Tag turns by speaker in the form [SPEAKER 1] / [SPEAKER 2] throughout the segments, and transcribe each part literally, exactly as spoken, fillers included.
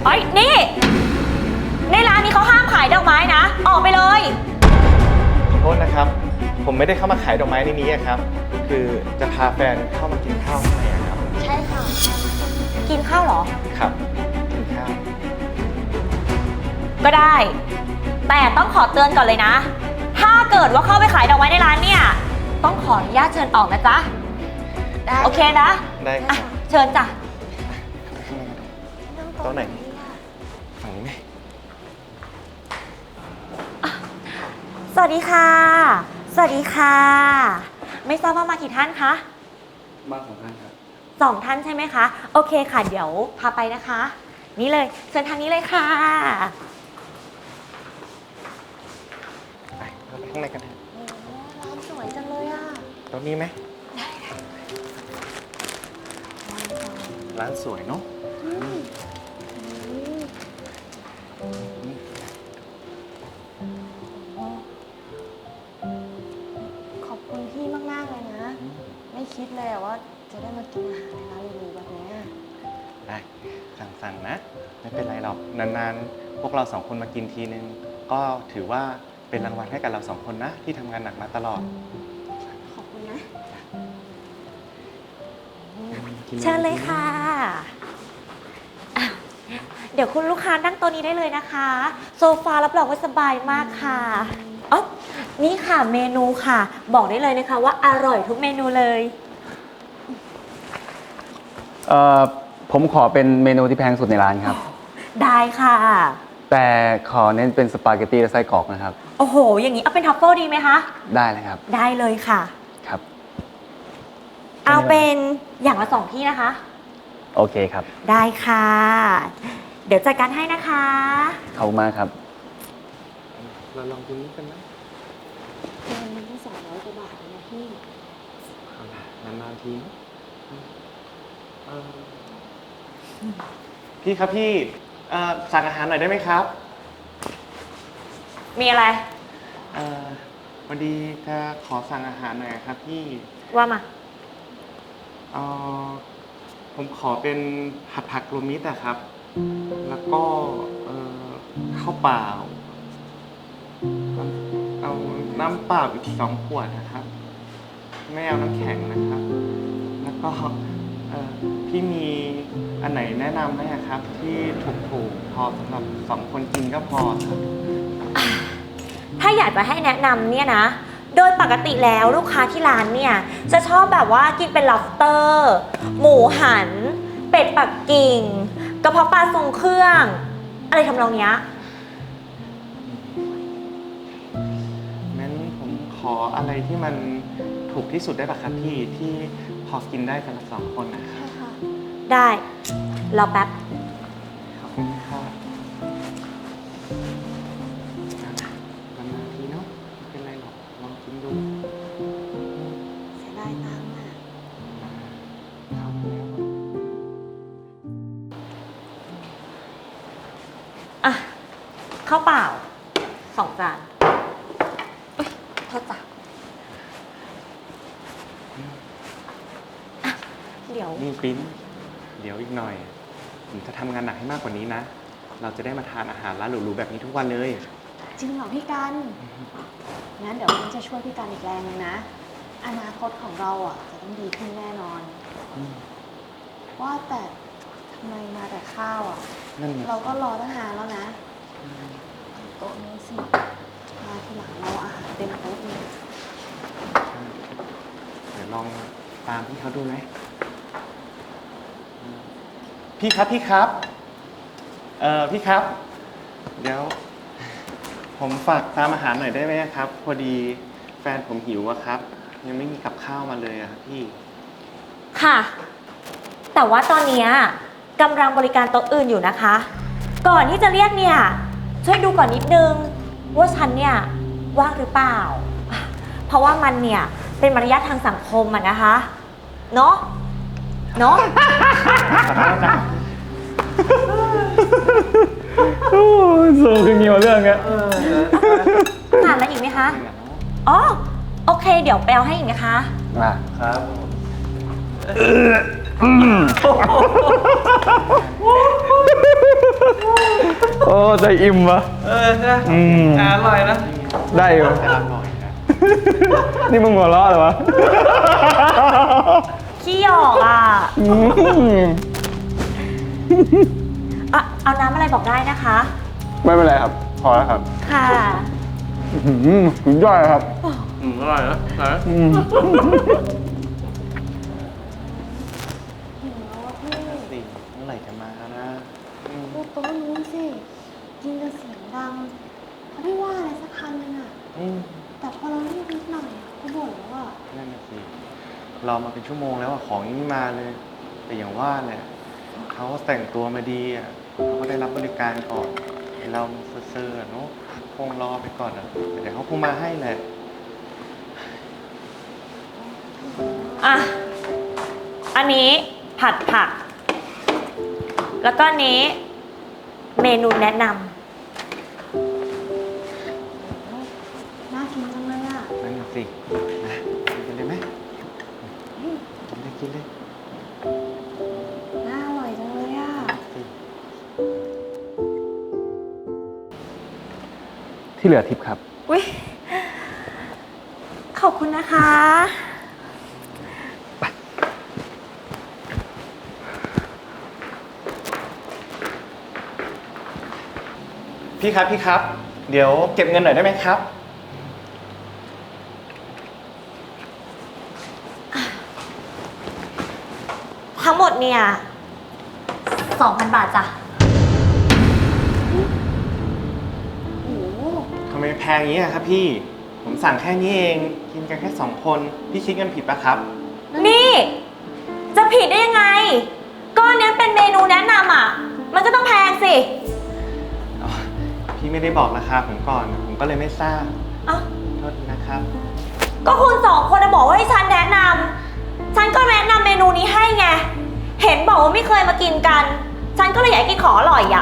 [SPEAKER 1] เอ้ยนี่ในร้านนี้เขาห้ามขายดอกไม้นะออกไปเลย
[SPEAKER 2] ขอโทษนะครับ ผมไม่ได้เข้ามาขายดอกไม้ในนี้ครับ คือจะพาแฟนเข้ามากินข้าวข้างในครับ
[SPEAKER 1] ใช่ค่ะกินข้าวเหรอ
[SPEAKER 2] ครับกินข้าว
[SPEAKER 1] ก็ได้แต่ต้องขอเตือนก่อนเลยนะถ้าเกิดว่าเข้าไปขายดอกไม้ในร้านเนี่ยต้องขออนุญาตเชิญออกนะจ๊ะได้โอเคนะ
[SPEAKER 2] ได้ครับ
[SPEAKER 1] เชิญจ้ะ
[SPEAKER 2] โต๊ะไหนฝั่งนี้ไหม
[SPEAKER 1] สวัสดีค่ะสวัสดีค่ะไม่ทราบว่ามากี่ท่านคะ
[SPEAKER 2] มาสองท่านครับ
[SPEAKER 1] สองท่านใช่ไหมคะโอเคค่ะเดี๋ยวพาไปนะคะนี่เลยเชิญทางนี้เลยค่ะ
[SPEAKER 2] ไปเราไปข้างในกันเถอะ
[SPEAKER 1] ร้านสวยจังเลยอ่ะ
[SPEAKER 2] ตรงนี้ไหมร้านสวยเนาะ
[SPEAKER 3] ขอบคุณพี่มากๆเลยนะไม่คิดเลยว่าจะได้มากินอาหารในร้านหรูๆแบบนี้
[SPEAKER 2] ได้สั่งๆนะไม่เป็นไรหรอกนานๆพวกเราสองคนมากินทีนึงก็ถือว่าเป็นรางวัลให้กับเราสองคนนะที่ทำงานหนักมาตลอด
[SPEAKER 3] ขอบคุณนะ
[SPEAKER 1] เชิญเลยค่ะเดี๋ยวคุณลูกค้านั่งโต๊ะนี้ได้เลยนะคะโซฟารับรองว่าสบายมากค่ะอ๋อนี่ค่ะเมนูค่ะบอกได้เลยนะคะว่าอร่อยทุกเมนูเลย
[SPEAKER 4] เอ่อผมขอเป็นเมนูที่แพงสุดในร้านครับ
[SPEAKER 1] ได้ค่ะ
[SPEAKER 4] แต่ขอเน้นเป็นสปาเกตตี้และไส้กรอกนะครับ
[SPEAKER 1] โอ้โหอย่างนี้เอาเป็นทัฟเฟิลดีไหมคะ
[SPEAKER 4] ได้เลยครับ
[SPEAKER 1] ได้เลยค่ะ
[SPEAKER 4] ครับ
[SPEAKER 1] เอาเป็นอย่างละสองที่นะคะ
[SPEAKER 4] โอเคครับ
[SPEAKER 1] ได้ค่ะเดี๋ยวจัดการให้นะคะ
[SPEAKER 4] ขอบคุณมากครับ
[SPEAKER 2] เราลองดูนี้กันนะ
[SPEAKER 3] เงินมันแค่สองร้อยกว่าบาทนะพี่
[SPEAKER 2] เอาละนานๆทีพี่ครับพี่สั่งอาหารหน่อยได้ไหมครับ
[SPEAKER 1] มีอะไร
[SPEAKER 2] วันดีจะขอสั่งอาหารหน่อยครับพี่
[SPEAKER 1] ว่ามา
[SPEAKER 2] เออผมขอเป็นผัดผักรวมมิตรอะครับแล้วก็ข้าวเปล่าเอาน้ำเปล่าอีกสองขวดนะครับไม่เอาน้ำแข็งนะครับแล้วก็พี่มีอันไหนแนะนำไหมครับที่ถูกๆพอสำหรับสองคนกินก็พอครับ
[SPEAKER 1] ถ้าอยากจะให้แนะนำเนี่ยนะโดยปกติแล้วลูกค้าที่ร้านเนี่ยจะชอบแบบว่ากินเป็น lobster หมูหันเป็ดปักกิ่งกระเพาะปลาทรงเครื่องอะไรทำนองเนี้ย
[SPEAKER 2] งั้นผมขออะไรที่มันถูกที่สุดได้ป่ะครับพี่ที่พอกินได้กันละสองคนนะครับ
[SPEAKER 1] ได้รอแป๊บ
[SPEAKER 2] ขอบคุณครับนานๆทีเนาะไม่เป็นไรหรอกลองกินดู
[SPEAKER 3] เสียดายตังค์อ่ะ
[SPEAKER 2] ครับแล้ว
[SPEAKER 1] อ่ะข้าวเปล่าสองจานเอ้ยโทษจ้ะเดี๋ยว
[SPEAKER 2] นี่ปิ้นเดี๋ยวอีกหน่อยผมจะทำงานหนักให้มากกว่านี้นะเราจะได้มาทานอาหารร้านหรูๆแบบนี้ทุกวันเลย
[SPEAKER 3] จริงเหรอพี่กันงั้นเดี๋ยวมิ้นจะช่วยพี่กันอีกแรงนึงนะอนาคตของเราอ่ะจะต้องดีขึ้นแน่นอนว่าแต่ทำไมมาแต่ข้าวอ่ะเราก็รอตั้งนานแล้วนะโต๊ะนี้สิมาทีหลังเราอาหารเต็มโต๊ะเลย
[SPEAKER 2] เดี๋ยวลองตามพี่เขาดูไหมพี่ครับพี่ครับเอ่อพี่ครับเดี๋ยวผมฝากตามอาหารหน่อยได้ไหมครับพอดีแฟนผมหิวอะครับยังไม่มีกับข้าวมาเลยอะครับพี่
[SPEAKER 1] ค่ะแต่ว่าตอนนี้กำลังบริการโต๊ะอื่นอยู่นะคะก่อนที่จะเรียกเนี่ยช่วยดูก่อนนิดนึงว่าฉันเนี่ยว่างหรือเปล่าเพราะว่ามันเนี่ยเป็นมารยาททางสังคมอะนะคะเนาะเนาะ
[SPEAKER 4] โอ้สูงขึ้นเยอะเรื่องเงี้ย
[SPEAKER 1] ทานแล้วอีกไหมคะอ๋อโอเคเดี๋ยวไปเอาให้อีกนะคะ
[SPEAKER 4] มา
[SPEAKER 2] ครับ
[SPEAKER 4] อ้ใจอิ่มวะ
[SPEAKER 2] เออใช่
[SPEAKER 4] อืม
[SPEAKER 2] อร่อยนะ
[SPEAKER 4] ได้อยู่
[SPEAKER 2] จะอร่อยนะ
[SPEAKER 4] นี่มึงหัวเราะเหรอวะ
[SPEAKER 1] ขี้หยอกอ่ะ
[SPEAKER 4] อืม
[SPEAKER 1] อ่ะ เอาน้ำอะไรบอกได้นะคะ
[SPEAKER 4] ไม่เป็นไรครับ พอแล้วครับ
[SPEAKER 1] ค่ะ
[SPEAKER 4] อื้อหือสุดยอดเลยครับ
[SPEAKER 2] อืมอร่อยนะอร่อยนะ
[SPEAKER 4] อืม
[SPEAKER 3] หิวแล้วอะพี่
[SPEAKER 2] สิเมื่อไหร่จะมานะอืม
[SPEAKER 3] ดูโต๊ะนู้นสิกินกันเสียงดังเขาไม่ว่าอะไรสักคำนึงอะ
[SPEAKER 2] อืม
[SPEAKER 3] แต่พอเราเรียกนิดหน่อยอะเขาบ่นแล้วอะ
[SPEAKER 2] นั่นน่ะสิรอมาเป็นชั่วโมงแล้วอะของยังไม่มาเลย แต่อย่างว่าแหละเขาแต่งตัวมาดีอะเขาก็ได้รับบริการก่อนไอ้เราเซ่อๆอะเนาะคงรอไปก่อนอะแต่เดี๋ยวเขาคงมาให้แหละ
[SPEAKER 1] อ่ะ อันนี้ผัดผัก แล้วก็อันนี้เมนูแนะน
[SPEAKER 3] น่ากินจังเลยอะ
[SPEAKER 2] นั่นน่ะสินะกินเลยไหมกินเลยกินเลย
[SPEAKER 3] น่าอร่อยจังเลยอะ
[SPEAKER 2] สิ
[SPEAKER 4] ที่เหลือทิปครับ
[SPEAKER 1] ำอุ้ยขอบคุณนะคะ
[SPEAKER 2] พี่ครับพี่ครับ เดี๋ยวเก็บเงินหน่อยได้ไหมครับ
[SPEAKER 1] ทั้งหมดเนี่ยสองพันบาทจ้ะ
[SPEAKER 3] โอ้โห
[SPEAKER 2] ทำไมแพงอย่างนี้อะครับพี่ ผมสั่งแค่นี้เอง กินกันแค่สองคน พี่คิดเงินผิดปะครับ
[SPEAKER 1] นี่ จะผิดได้ยังไง ก็อันเนี้ยเป็นเมนูแนะนำอ่ะ มันก็ต้องแพงสิ
[SPEAKER 2] อ๋อ พี่ไม่ได้บอกราคาผมก่อน ผมก็เลยไม่ทราบ
[SPEAKER 1] เอ้า
[SPEAKER 2] โทษทีนะครับ
[SPEAKER 1] ก็คุณสองคนน่ะบอกว่าให้ฉันแนะนำ ฉันก็แนะนำเมนูนี้ให้ไง เห็นบอกว่าไม่เคยมากินกัน ฉันก็เลยอยากให้กินของอร่อยอ่ะ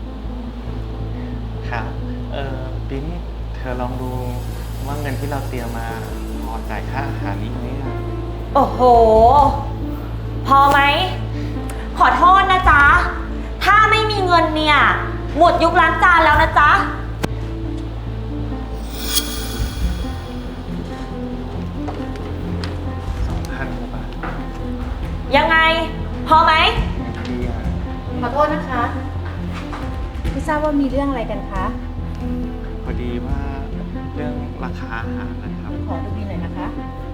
[SPEAKER 2] ครับ เออปิ๊นเธอลองดูว่าเงินที่เราเตรียมมาพอจ่ายค่าอาหารนี้ไหมอะ
[SPEAKER 1] โอ้โห พอไหม ขอโทษนะจ๊ะ ถ้าไม่มีเงินเนี่ย หมดยุคล้างจานแล้วนะจ๊ะ
[SPEAKER 2] สองพันกว่าบาท
[SPEAKER 1] ยังไง พอไหม
[SPEAKER 2] ดีอ่ะ
[SPEAKER 5] ขอโทษนะคะ ไม่ทราบว่ามีเรื่องอะไรกันคะ
[SPEAKER 2] พอดีว่าเรื่องราคาอาหารนะครับ
[SPEAKER 5] ขอดูบินหน่อยนะคะ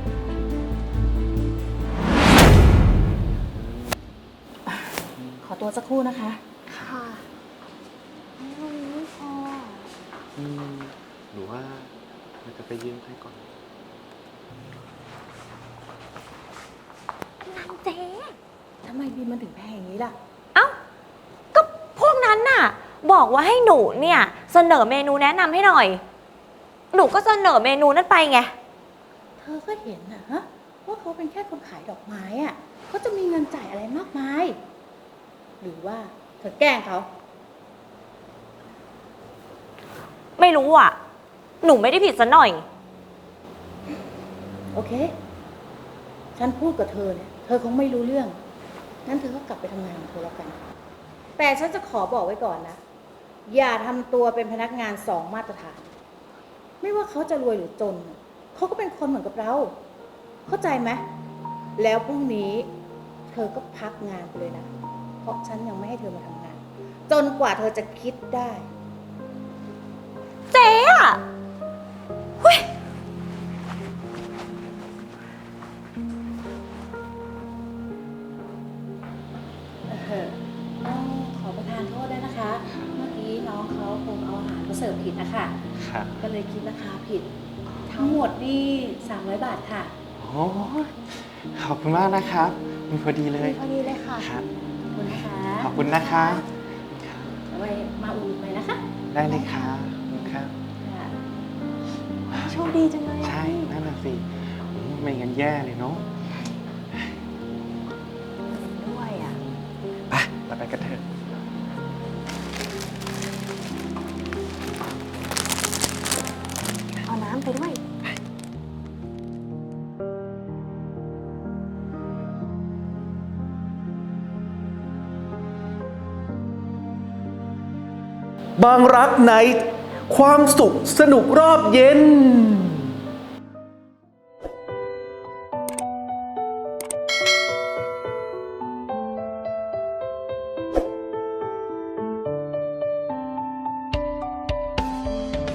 [SPEAKER 5] ขอตัวสักครู่นะคะ
[SPEAKER 3] ค่ะนี่เรามีไม่พออะ
[SPEAKER 2] อืมหรือว่าเราจะไปยืมใครก่อน
[SPEAKER 1] นางเจ๊
[SPEAKER 5] ทำไมบินมันถึงแพงอย่างนี้ล่ะ
[SPEAKER 1] เอ้า ก็พวกนั้นน่ะ บอกว่าให้หนูเนี่ย เสนอเมนูแนะนำให้หน่อย หนูก็เสนอเมนูนั้นไปไง
[SPEAKER 5] เธอก็เห็นนะฮะว่าเขาเป็นแค่คนขายดอกไม้อะเขาจะมีเงินจ่ายอะไรมากมาย หรือว่าเธอแกล้งเขา
[SPEAKER 1] ไม่รู้อ่ะ หนูไม่ได้ผิดซะหน่อย
[SPEAKER 5] โอเค ฉันพูดกับเธอเนี่ย เธอคงไม่รู้เรื่อง งั้นเธอก็กลับไปทำงานของเธอแล้วกัน แต่ฉันจะขอบอกไว้ก่อนนะ อย่าทำตัวเป็นพนักงานสองมาตรฐาน ไม่ว่าเขาจะรวยหรือจน เขาก็เป็นคนเหมือนกับเรา เข้าใจไหม แล้วพรุ่งนี้เธอก็พักงานไปเลยนะ เพราะฉันยังไม่ให้เธอมาทำงาน จนกว่าเธอจะคิดได้
[SPEAKER 1] เจ๊อ่ะเฮ้ย
[SPEAKER 5] เออต้องขอประทานโทษด้วยนะคะ เมื่อกี้น้องเขาคงเอาอาหารมาเสิร์ฟผิดนะคะ
[SPEAKER 2] ครับ
[SPEAKER 5] ก็เลยคิดราคาผิด ทั้งหมดนี่สามร้อยบาทค่ะ
[SPEAKER 2] โอ้ยขอบคุณมากนะครับ มีพอดีเลย
[SPEAKER 3] พอดีเลยค่ะ
[SPEAKER 2] ครับ
[SPEAKER 5] ขอบคุณนะคะ
[SPEAKER 2] ขอบคุณนะคะ
[SPEAKER 5] เอาไว้มาอุ่นไปนะคะ
[SPEAKER 2] ได้เลยครับขอบคุณครับ
[SPEAKER 5] ค่ะ
[SPEAKER 3] โชคดีจังเลยอะ
[SPEAKER 2] ใช่ นั่นน่ะสิอืมไม่งั้นแย่เลยเนาะ
[SPEAKER 3] ด้วยอ่ะ
[SPEAKER 2] ไปเราไปกันเถอะ
[SPEAKER 3] เอาน้ำไปด้วย
[SPEAKER 6] บางรักไนท์ความสุขสนุกรอบเย็น